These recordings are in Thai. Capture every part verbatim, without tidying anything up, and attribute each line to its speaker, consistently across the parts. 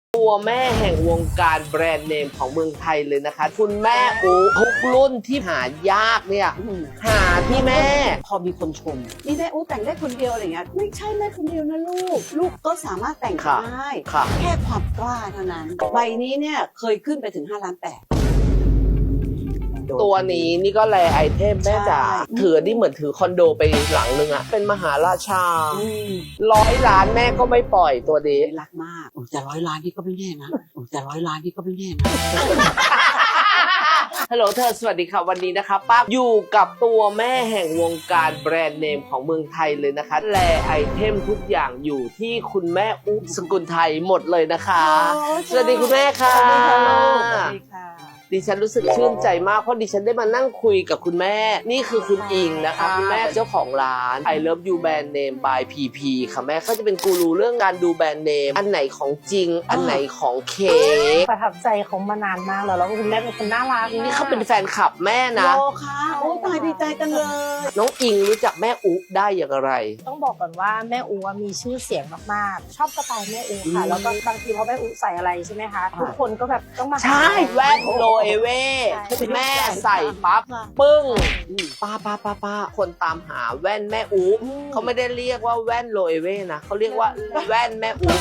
Speaker 1: ตัวแม่แห่งวงการแบรนด์เนมของเมืองไทยเลยนะคะคุณแม่อูทุกรุ่นที่หายากเนี่ยหาที่แม่พอมีคนชม
Speaker 2: นี่แม่อู้แต่งได้คนเดียวอะไรเงี้ยไม่ใช่แม่คนเดียวนะลูกลูกก็สามารถแต่ง
Speaker 1: ค่ะ
Speaker 2: ได้
Speaker 1: ค่ะ
Speaker 2: แค่ความกล้าเท่านั้นใบนี้เนี่ยเคยขึ้นไปถึงห้าล้านแปด
Speaker 1: ตัวนี้นี่ก็แลไอเทมแม่จ๋า
Speaker 2: ใช่
Speaker 1: ถือนี่เหมือนถือคอนโดไปหลังนึงอะเป็นมหาราชา
Speaker 2: อืม
Speaker 1: ร้อยล้านแม่ก็ไม่ปล่อยตัวนี้
Speaker 2: รักมากโอ้แต่ร้อยล้านนี่ก็ไม่แน่นะโอ้แต่ร้อยล้านนี่ก็ไม่แน่นะ
Speaker 1: ฮัลโหลเธอสวัสดีค่ะวันนี้นะคะป้าอยู่กับตัวแม่แห่งวงการแบรนด์เนมของเมืองไทยเลยนะคะแลไอเทมทุกอย่างอยู่ที่คุณแม่อุ๊บสกุลไทยหมดเลยนะคะ สวัสดีคุณแม่ค่ะ
Speaker 2: สวัสดีค่ะลูกสวัสดีค่ะ
Speaker 1: ดิฉันรู้สึกชื่นใจมากเพราะดิฉันได้มานั่งคุยกับคุณแม่นี่คือคุณอิงนะคะคุณแม่เจ้าของร้าน I Love You Brand Name by พี พี ค่ะแม่เขาจะเป็นกูรูเรื่องการดูแบรนด์เนมอันไหนของจริงอันไหนของเคก
Speaker 3: ประทับใจเขามานานมากแล้วแล้วคุณแม่เป็นคนน่ารัก
Speaker 1: นี่เขาเป็นแฟนคลับแม่นะ
Speaker 2: โลค่ะโอ้ตายดีใจจังเลย
Speaker 1: น้องอิงรู้จักแม่อุ๊ได้อย่างไร
Speaker 3: ต้องบอกก่อนว่าแม่อูมีชื่อเสียงมากๆ ชอบสไตล์แม่อูค่ะ แล้วก็บางทีพอแม่อูใส่อะไรใช่ไหมคะ ทุกคนก็แบบต้องมา
Speaker 1: ใช่แว่นโลเอเว่
Speaker 3: ใช่
Speaker 1: แม่ใส่ปั๊บปึ้งป้าป้าป้าป้าคนตามหาแว่นแม่อุ๊เขาไม่ได้เรียกว่าแว่นโลเอเว่นะเขาเรียกว่าแว่นแม่อุ๊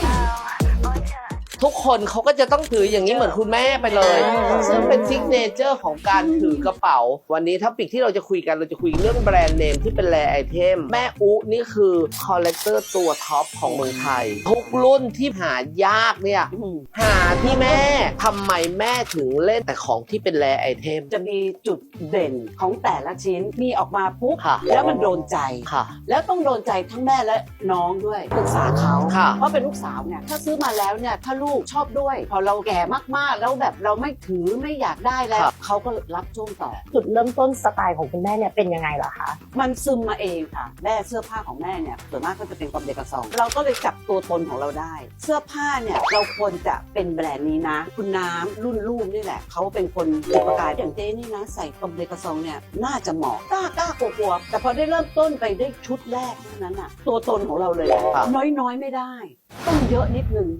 Speaker 1: ทุกคนเขาก็จะต้องถืออย่างนี้เหมือนคุณแม่ไปเลย ซึ่งเป็นซิกเนเจอร์ของการถือกระเป๋า วันนี้ท็อปิกที่เราจะคุยกันเราจะคุยเรื่องแบรนด์เนมที่เป็นแรไอเทมแม่อุ๊นี่คือคอลเลกเตอร์ตัวท็อปของเมืองไทย ทุกรุ่นที่หายากเนี่ย
Speaker 2: อืม
Speaker 1: หาที่แม่ทำไมแม่ถึงเล่นแต่ของที่เป็นแรไอเทม
Speaker 2: จะมีจุดเด่นของแต่ละชิ้นมีออกมาปุ๊บ
Speaker 1: ค่ะ
Speaker 2: แล้วมันโดนใจ
Speaker 1: ค่ะ
Speaker 2: แล้วต้องโดนใจทั้งแม่และน้องด้วยปรึกษาเขา
Speaker 1: ค่ะ
Speaker 2: เพราะเป็นลูกสาวเนี่ยถ้าซื้อมาแล้วเนี่ยถ้าลูกชอบด้วย พอเราแก่มากๆแล้วแบบเราไม่ถือไม่อยากได้แล้ว
Speaker 1: ครับ
Speaker 2: เขาก็รับช่วงต่อ
Speaker 3: จุดเริ่มต้นสไตล์ของคุณแม่เนี่ยเป็นยังไงเหรอคะ
Speaker 2: มันซึมมาเองค่ะแม่เสื้อผ้าของแม่เนี่ยส่วนมากก็จะเป็นกอมเดกาซองเราก็เลยจับตัวตนของเราได้ เสื้อผ้าเนี่ยเราควรจะเป็นแบรนด์นี้นะ คุณน้ำรุ่นลูกนี่แหละเขาเป็นคนจุดประกายอย่างเจ๊นี่นะใส่กอมเดกาซองเนี่ยน่าจะเหมาะกล้ากล้ากลัวๆแต่พอได้เริ่มต้นไปได้ชุดแรกเท่านั้นอ่ะตัวตนของเราเลย
Speaker 1: ครับ
Speaker 2: น้อยๆไม่ได้ ต้องเยอะนิดนึง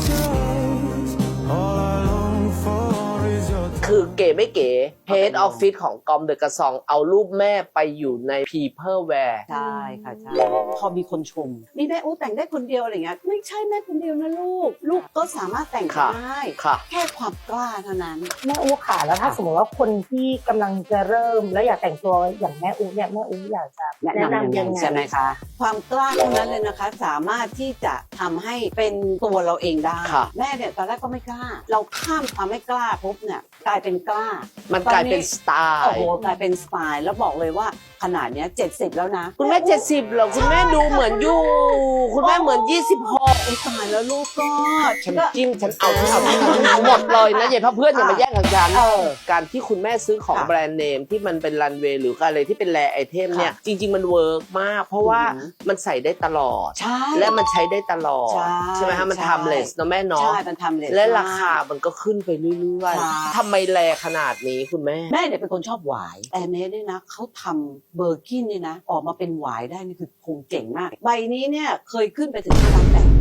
Speaker 1: คือเก๋ไม่เก๋ Head Office ของกอมเดอะกระซองเอารูปแม่ไปอยู่ใน People Wear
Speaker 2: ใช่ค่ะใช่พอมีคนชมนี่แม่อู้แต่งได้คนเดียวอะไรเงี้ยไม่ใช่แม่คนเดียวนะลูกลูกก็สามารถแต่ง
Speaker 1: ค่ะ
Speaker 2: ได้
Speaker 1: ค่ะ
Speaker 2: แค่ความกล้าเท่านั้น
Speaker 3: แม่อูค่ะแล้วถ้าสมมติว่าคนที่กำลังจะเริ่มแล้วอยากแต่งตัวอย่างแม่อูเนี่ยแม่อูอยากจะ
Speaker 2: แนะ
Speaker 3: แนะ
Speaker 2: นำ
Speaker 3: นำ
Speaker 2: ยั
Speaker 3: ยัง ง
Speaker 2: ไง
Speaker 3: ไง
Speaker 2: ใช่ไหมคะ ความกล้าเท่านั้นเลยนะคะ สามารถที่จะทำให้เป็นตัวเราเองได้
Speaker 1: ค่ะ
Speaker 2: แม่เนี่ยตอนแรกก็ไม่กล้า เราข้ามความไม่กล้าปุ๊บเนี่ยกลายเป็นกล้า
Speaker 1: มันกลายเป็นสไต
Speaker 2: โอ้
Speaker 1: ล์
Speaker 2: โหกลายเป็นสไตล์แล้วบอกเลยว่าขนาดเนี้ยเจ็ดสิบแล้วนะ
Speaker 1: คุณแม่เจ็ดสิบเหรอคุณแม่ดูเหมือนอยู่ คุณแม่เหมือนยี่สิบหก
Speaker 2: ไอ้ตายแล้วลูกก็
Speaker 1: ฉัน
Speaker 2: ก็
Speaker 1: จิ้มฉันเอาฉันเอาฉันเอาหมดเลยนะอย่าพาเพื่อนอย่ามาแย่งกับฉัน
Speaker 2: เออ
Speaker 1: การที่คุณแม่ซื้อของ
Speaker 2: ค่ะ
Speaker 1: แบรนด์เนมที่มันเป็นรันเวย์หรืออะไรที่เป็นแรไอเทมเนี่ย
Speaker 2: ค่ะ
Speaker 1: จริง ๆ มันเวิร์กมาก เพราะว่า
Speaker 2: อือหือ
Speaker 1: มันใส่ได้ตลอด
Speaker 2: ใช่
Speaker 1: และมันใช้ได้ตลอด
Speaker 2: ใช่
Speaker 1: ใช่ไหมฮะมัน
Speaker 2: ใช่
Speaker 1: ทำเลสเนาะแม่เนาะ
Speaker 2: ใช่มันทำเลย
Speaker 1: และราคามันก็ขึ้นไปเรื่อย
Speaker 2: ใช่
Speaker 1: ๆทำไมแรขนาดนี้คุณแม่
Speaker 2: แม่เนี่ยเป็นคนชอบหวายแอร์เมสเนี่ยนะเขาทำเบอร์กินเนี่ยนะ ออกมาเป็นหวายได้นี่คือคงเจ๋งมาก ใบนี้เนี่ยเคยขึ้นไปถึงห้าล้านแปด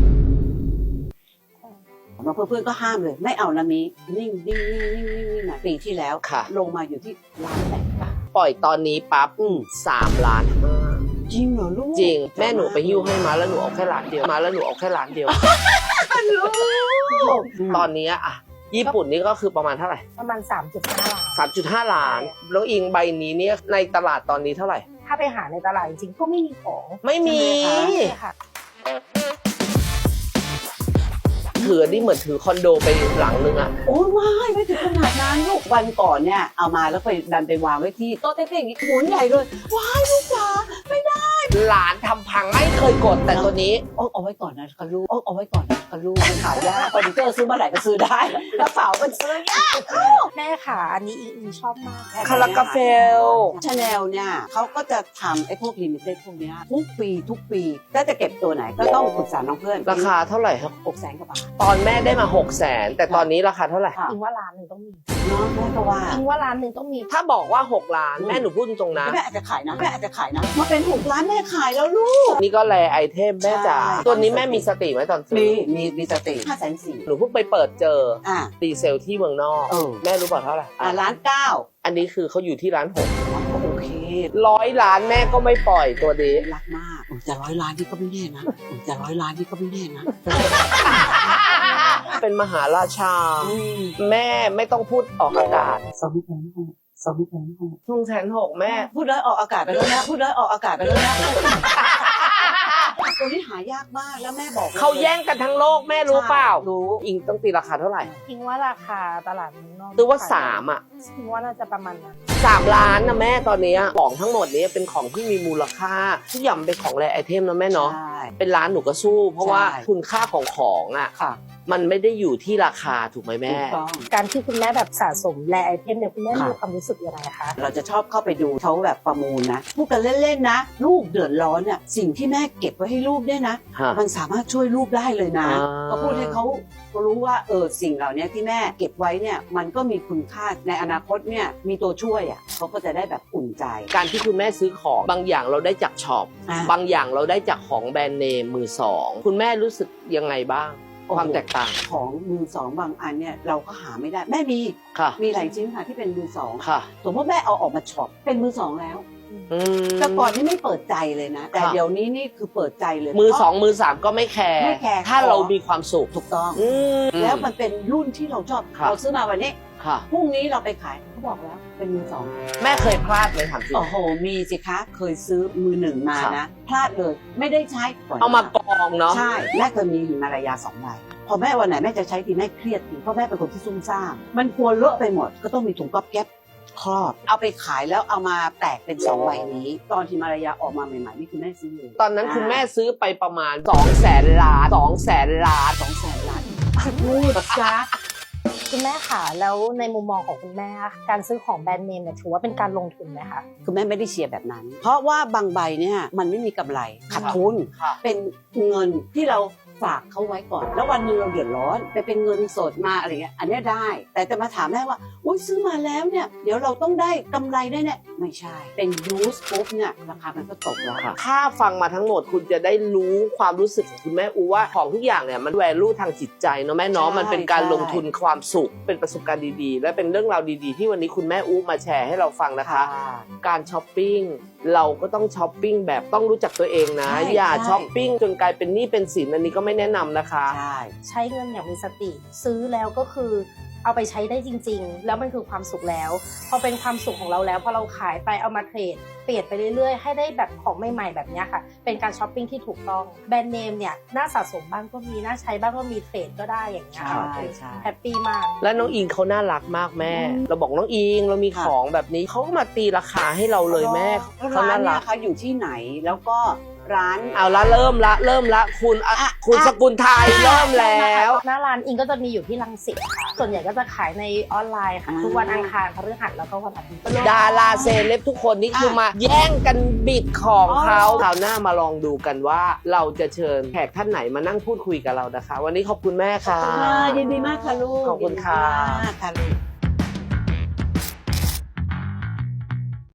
Speaker 2: มาเพื่อนๆก็ห้ามเลย ไม่เอานะมีนิ่งนิ่งนิ่งนิ่งนิ่งนิ่งนะปีที่แล้ว
Speaker 1: ค่ะ
Speaker 2: ลงมาอยู่ที่ล้านแปดบาท
Speaker 1: ปล่อยตอนนี้ปั๊บ
Speaker 2: อืม
Speaker 1: สามล้านห้า
Speaker 2: จริงเหรอลูก
Speaker 1: จริงแม่หนูไปหิ้วให้มาแล้วหนูเอาแค่ล้านเดียวมาแล้วหนูเอาแค่ล้านเดียว
Speaker 2: ลูก
Speaker 1: ตอนนี้อะญี่ปุ่นนี่ก็คือประมาณเท่าไหร่
Speaker 3: ประมาณ สามจุดห้า ล้าน
Speaker 1: สามจุดห้าล้าน แล้วอิงใบนี้เนี่ยในตลาดตอนนี้เท่าไหร่
Speaker 3: ถ้าไปหาในตลาดจริงๆก็ไม่มีของ
Speaker 1: ไม่มี
Speaker 3: ใช่ค่ะ
Speaker 1: ถือนี่เหมือนถือคอนโดไปหลังนึงอะ
Speaker 2: โอ้ยว้ายไม่ถึงขนาดนั้นลูกวันก่อนเนี่ยเอามาแล้วไปดันไปวางไว้ที่โต๊ะเต้ๆอย่างงี้หมุนใหญ่เลยว้ายลูกจ๋าไม่ได้
Speaker 1: หลานทำพังไม่เคยกดแต่ตัวนี้
Speaker 2: เอาเอาไว้ก่อนนะคะลูกเอาเอาไว้ก่อนนะคะลูกมันหายากเฟอร์นิเจอร์ซื้อเมื่อไหร่ก็ซื้อได้กระเป๋ามันซื้อยาก
Speaker 3: แม่ค่ะอันนี้อิงอิงชอบมาก
Speaker 1: คาราคาเฟล
Speaker 2: ชาแนลเนี่ยเขาก็จะทำไอ้พวกลิมิเต็ดพวกเนี้ยทุกปีทุกปีถ้าจะเก็บตัวไหนก็ต้องปรึกษาน้องเพื่อน
Speaker 1: ราคาเท่าไหร่ครับ
Speaker 2: หกแสนกว่าบาท
Speaker 1: ตอนแม่ได้มาหกแสนแต่ตอนนี้ราคาเท่าไหร่
Speaker 2: ค่ะ
Speaker 3: อิงว่าร้านหนึ่งต้องมี
Speaker 2: เนาะแม่ก็ว่า
Speaker 3: อิงว่าร้านหนึ่งต้องมี
Speaker 1: ถ้าบอกว่าหกล้านแม่หนูพูดตรงๆนะ
Speaker 2: แม่อาจจะขายนะแม่อาจจะขายนะมาเป็นหกล้านแม่ขายแล้วลูก
Speaker 1: นี่ก็แลไอเทมแม่จ๋า
Speaker 2: ใช่
Speaker 1: ตัวนี้แม่มีสติไหมตอนซื้
Speaker 2: มี
Speaker 1: อ
Speaker 2: มีมีสติห้าแสนสี่
Speaker 1: หนูเพิ่งไปเปิดเจอ
Speaker 2: อ่ะ
Speaker 1: ตีเซลที่เมืองนอก
Speaker 2: เออ
Speaker 1: แม่รู้เปล่าเท่าไหร่
Speaker 2: อ่ะล้านเก้า
Speaker 1: อันนี้คือเขาอยู่ที่ร้านหก
Speaker 2: โอเค
Speaker 1: ร้อยล้านแม่ก็ไม่ปล่อยตัวนี้
Speaker 2: รักมากอุ๊ยแต่ร้อยล้านที่ก็ไม่แน่นะอุ๊ยแต่ร้อยล้านที่ก็ไม่แน่นะ
Speaker 1: เป็นมหาราชา
Speaker 2: อืม
Speaker 1: แม่ไม่ต้องพูดออกอากาศ
Speaker 2: สองแสนหกสองแสนหก
Speaker 1: ทุ่งแสนหกแม่
Speaker 2: พูดได้ออกอากาศไปแล้วนะพูดได้ออกอากาศไปแล้วนะตัวนี้หายากมากแล้วแม่บอกล
Speaker 1: เขาแย่งกันทั้งโลกแม่รู้เปล่า
Speaker 2: รู้
Speaker 1: อิงต้องตีราคาเท่าไหร่
Speaker 3: คิดว่าราคาตลาดเมืองนอก
Speaker 1: ซื้อว่าสามอ่ะ
Speaker 3: คิดว่าน่าจะประมาณนั้น
Speaker 1: สามล้านนะแม่ตอนนี้ของทั้งหมดนี้เป็นของที่มีมูลค่าทุกอย่างเป็นของแรไอเทมนะแม่เนาะ
Speaker 2: ใช่
Speaker 1: เป็นร้านหนูก็สู้ เพราะว่า
Speaker 2: ใช่
Speaker 1: คุณค่าของของอ่ะ
Speaker 2: ค่ะ
Speaker 1: มันไม่ได้อยู่ที่ราคาถูกไหมแม่
Speaker 2: ถูกต้อง
Speaker 3: การที่คุณแม่แบบสะสมแลไอเทมเนี่ยคุณแม่
Speaker 2: ค่ะ
Speaker 3: มีความรู้สึกยังไงคะ
Speaker 2: เราจะชอบเข้าไปดูเขาแบบประมูลนะพูดกันเล่นๆนะ ลูกเดือดร้อนเนี่ยสิ่งที่แม่เก็บไว้ให้ลูกเนี่ยนะ
Speaker 1: ฮะ
Speaker 2: มันสามารถช่วยลูกได้เลยนะ
Speaker 1: อ่า
Speaker 2: ก็พูดให้เขารู้ว่าเออสิ่งเหล่านี้ที่แม่เก็บไว้เนี่ยมันก็มีคุณค่าในอนาคตเนี่ยมีตัวช่วยอ่ะเขาก็จะได้แบบอุ่นใจ
Speaker 1: การที่คุณแม่ซื้อของบางอย่างเราได้จากช็อป
Speaker 2: อ่ะ
Speaker 1: บางอย่างเราได้จากของแบรนด์เนมมือสองคุณแม่รู้สึกยังไงบ้าง ความแตกต่าง
Speaker 2: ของมือสองบางอันเนี่ยเราก็หาไม่ได้แม่มี
Speaker 1: ค่ะ
Speaker 2: มีหลายชิ้นค่ะที่เป็นมือสอง
Speaker 1: ค่ะ
Speaker 2: สมมติแม่เอาออกมาช็อปเป็นมือสองแล้ว
Speaker 1: อืม
Speaker 2: แต่ก่อนนี่ไม่เปิดใจเลยนะ แต่
Speaker 1: ค่ะ
Speaker 2: เดี๋ยวนี้นี่คือเปิดใจเลย
Speaker 1: มือสองมือสามก็ไม่แคร์
Speaker 2: ไม่แคร์
Speaker 1: ถ้าเรามีความสุข
Speaker 2: ถูกต้อง
Speaker 1: อืม
Speaker 2: แล้วมันเป็นรุ่นที่เราชอบ
Speaker 1: ครับ
Speaker 2: เราซื้อมาวันนี้
Speaker 1: ค่ะ
Speaker 2: พรุ่งนี้เราไปขายเขาบอกแล้วเป็นมือสอง
Speaker 1: แม่เคยพลาดไหมถามจริง
Speaker 2: โอ้โหมีสิคะเคยซื้อมือหนึ่งมา
Speaker 1: ครับ
Speaker 2: นะพลาดเลยไม่ได้ใช้ปล่ย
Speaker 1: เอามากองเนาะ
Speaker 2: ใช่แม่เคยมีหิมารายาสองใบพอแม่วันไหนแม่จะใช้ทีแม่เครียดทีเพราะแม่เป็นคนที่ซุ่มซ่ามมันกลัวเลอะไปหมดก็ต้องมีถุงก๊อบแก๊บครอบเอาไปขายแล้วเอามาแตกเป็นสองใบนี้ ตอนหิมารายาออกมาใหม่ๆนี่คือแม่ซื้อเลย
Speaker 1: ตอนนั้นคุณแม่ซื้อไปประมาณ2องแสนล้านสองแสนล้าน
Speaker 2: สองแสนล้านพูดจ้า
Speaker 3: คุณแม่ค่ะแล้วในมุมมองของคุณแม่การซื้อของแบรนด์เนมเนี่ยถือว่าเป็นการลงทุนไหมคะ
Speaker 2: คือแม่ไม่ได้เชียร์แบบนั้น เพราะว่าบางใบเนี่ยมันไม่มีกำไรขาดทุน
Speaker 1: ค่ะ
Speaker 2: เป็นเงินที่เราฝากเขาไว้ก่อน แล้ววันหนึงเราเดือดร้อนไปเป็นเงินสดมาอะไรเงี้ยอันเนี้ยได้ แต่จะมาถามแม่ว่าอุ้ยซื้อมาแล้วเนี่ยเดี๋ยวเราต้องได้กำไรแน่ๆไม่ใช่ เป็นยูสปุ๊บเนี่ยราคามันก็ตกแล้วค่ะ
Speaker 1: ถ้าฟังมาทั้งหมดคุณจะได้รู้ความรู้สึกของคุณแม่อูว่าของทุกอย่างเนี่ยมันแวลูทางจิตใจเนาะแม่เนาะ
Speaker 2: ใช่
Speaker 1: มันเป็นการ
Speaker 2: ใช่
Speaker 1: ลงทุนความสุขเป็นประสบการณ์ดีๆ และเป็นเรื่องราวดีๆ ที่วันนี้คุณแม่อูมาแชร์ให้เราฟังนะคะ การช้อปปิ้งเราก็ต้องช้อปปิ้งแบบต้องรู้จักตัวเองนะ
Speaker 2: ใช่
Speaker 1: อย่า
Speaker 2: ใช่
Speaker 1: ช้อปปิ้งจนกลายเป็นหนี้เป็นสินอันนี้ก็ไม่แนะนำนะคะ
Speaker 2: ใช่
Speaker 3: ใช้เงินอย่างมีสติ ซื้อแล้วก็คือเอาไปใช้ได้จริง ๆ แล้วมันคือความสุขแล้ว พอเป็นความสุขของเราแล้วพอเราขายไปเอามาเทรดเปลี่ยนไปเรื่อยๆ ให้ได้แบบของใหม่ๆแบบเนี้ยค่ะ เป็นการช้อปปิ้งที่ถูกต้องแบรนด์เนมเนี่ยน่าสะสมบ้างก็มีน่าใช้บ้างก็มีเทรดก็ได้อย่างเงี้ยค่ะ
Speaker 2: ใช่ใช่
Speaker 3: แฮปปี้มาก
Speaker 1: และน้องอิงเขาน่ารักมากแม่
Speaker 2: อืม
Speaker 1: เราบอกน้องอิงเรามี
Speaker 2: ค่ะ
Speaker 1: ของแบบนี้เขาก็มาตีราคาให้เราเลยแม่เขา
Speaker 2: ร้า
Speaker 1: น่าน
Speaker 2: เนี่
Speaker 1: รั
Speaker 2: ย
Speaker 1: ก
Speaker 2: เขาอยู่ที่ไหนแล้วก็ร้าน
Speaker 1: เอาละเริ่มละเริ่มละคุณอ่ะ
Speaker 2: อ่ะ
Speaker 1: คุณ
Speaker 2: อ่ะ
Speaker 1: สกุลไทยเริ่มแล้ว
Speaker 3: หน้าร้านอิงก็จะมีอยู่ที่รังสิตค่ะ ส่วนใหญ่ก็จะขายในออนไลน์ค่ะ
Speaker 2: อ่า
Speaker 3: ทุกวันอังคารพฤหัสแล้วก็วันอาทิตย์
Speaker 1: ดาราเซเลบทุกคนนี่คือมาแย่งกันบิดของเขา
Speaker 2: อ๋อ
Speaker 1: คราวหน้ามาลองดูกันว่าเราจะเชิญแขกท่านไหนมานั่งพูดคุยกับเรานะคะ วันนี้ขอบคุณแม่ค่ะ
Speaker 2: ยินดีมากค่ะลูก
Speaker 1: ขอบคุณค่ะ
Speaker 2: ยินดีมากค่ะลูก